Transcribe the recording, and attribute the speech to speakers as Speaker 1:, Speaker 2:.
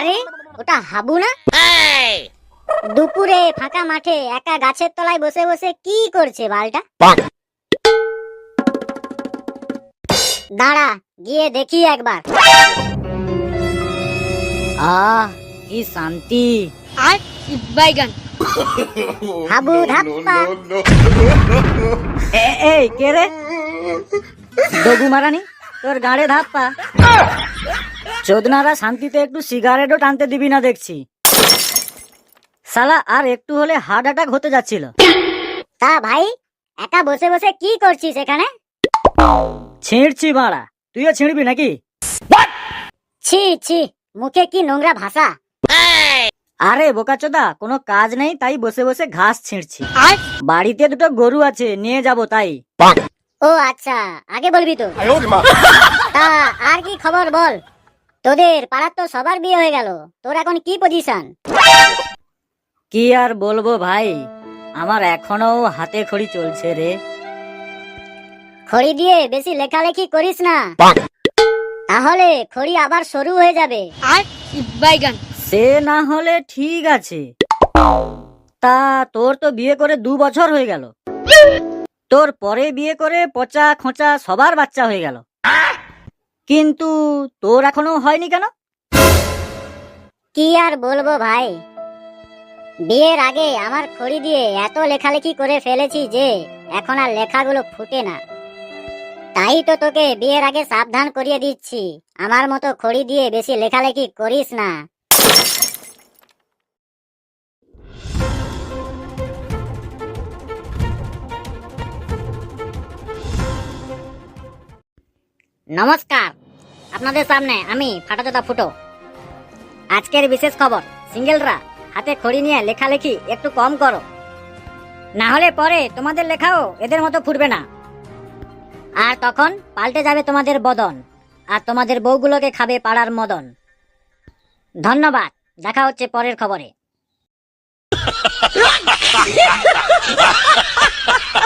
Speaker 1: আরে ওটা হাবু না? দুপুরে ফাঁকা মাঠে একা গাছের তলায় বসে বসে কি করছে বালটা? দাঁড়া, গিয়ে দেখি একবার।
Speaker 2: আহ, কি শান্তি।
Speaker 3: আর বাইগান
Speaker 1: হাবু ধাপ্পা।
Speaker 2: এই কে রে? দগু মারানি, তোর গাড়ে ধাপ্পা। চোদনারা শান্তিতে একটু সিগারেটও টানতে দিবি না দেখছি। শালা আর একটু হলে হার্ট অ্যাটাক হতে যাচ্ছিল।
Speaker 1: তা ভাই, একা বসে বসে কি করছিস এখানে?
Speaker 2: ছিঁড়ছি বাড়া, তুইও ছিঁড়বি নাকি?
Speaker 1: ছি ছি, মুখে কি নোংরা ভাষা।
Speaker 2: আরে বোকাচোদা, কোনো কাজ নেই তাই বসে বসে ঘাস ছিঁড়ছি।
Speaker 3: আর
Speaker 2: বাড়িতে দুটো গরু আছে, নিয়ে যাব তাই।
Speaker 1: ও আচ্ছা, আগে বলবি তো। তা আর কি খবর বল? তোদের পাড়ার তো সবার বিয়ে হয়ে গেল, তোর এখন কি পজিশন?
Speaker 2: কি আর বলবো ভাই, আমার এখনো হাতে খড়ি চলছে রে।
Speaker 1: খড়ি দিয়ে বেশি লেখালেখি করিস না, তাহলে খড়ি আবার সরু হয়ে যাবে।
Speaker 3: আর বাইগান
Speaker 2: সে না হলে ঠিক আছে, তা তোর তো বিয়ে করে 2 বছর হয়ে গেল। তোর পরে বিয়ে করে পচা খোঁচা সবার বাচ্চা হয়ে গেল, কিন্তু তোর এখনো হয়নি কেন?
Speaker 1: কি আর বলবো ভাই, বিয়ের আগে আমার খড়ি দিয়ে এত লেখালেখি করে ফেলেছি যে এখন আর লেখাগুলো ফুটে না। তাই তো তোকে বিয়ের আগে সাবধান করিয়ে দিচ্ছি, আমার মতো খড়ি দিয়ে বেশি লেখালেখি করিস না। নমস্কার, আপনাদের সামনে আমি ফাটাচোদা ফুটো। আজকের বিশেষ খবর, সিঙ্গেলরা হাতে খড়ি নিয়ে লেখালেখি একটু কম করো, না হলে পরে তোমাদের লেখাও এদের মতো ফুটবে না, আর তখন পাল্টে যাবে তোমাদের বদন, আর তোমাদের বউগুলোকে খাবে পাড়ার মদন। ধন্যবাদ, দেখা হচ্ছে পরের খবরে।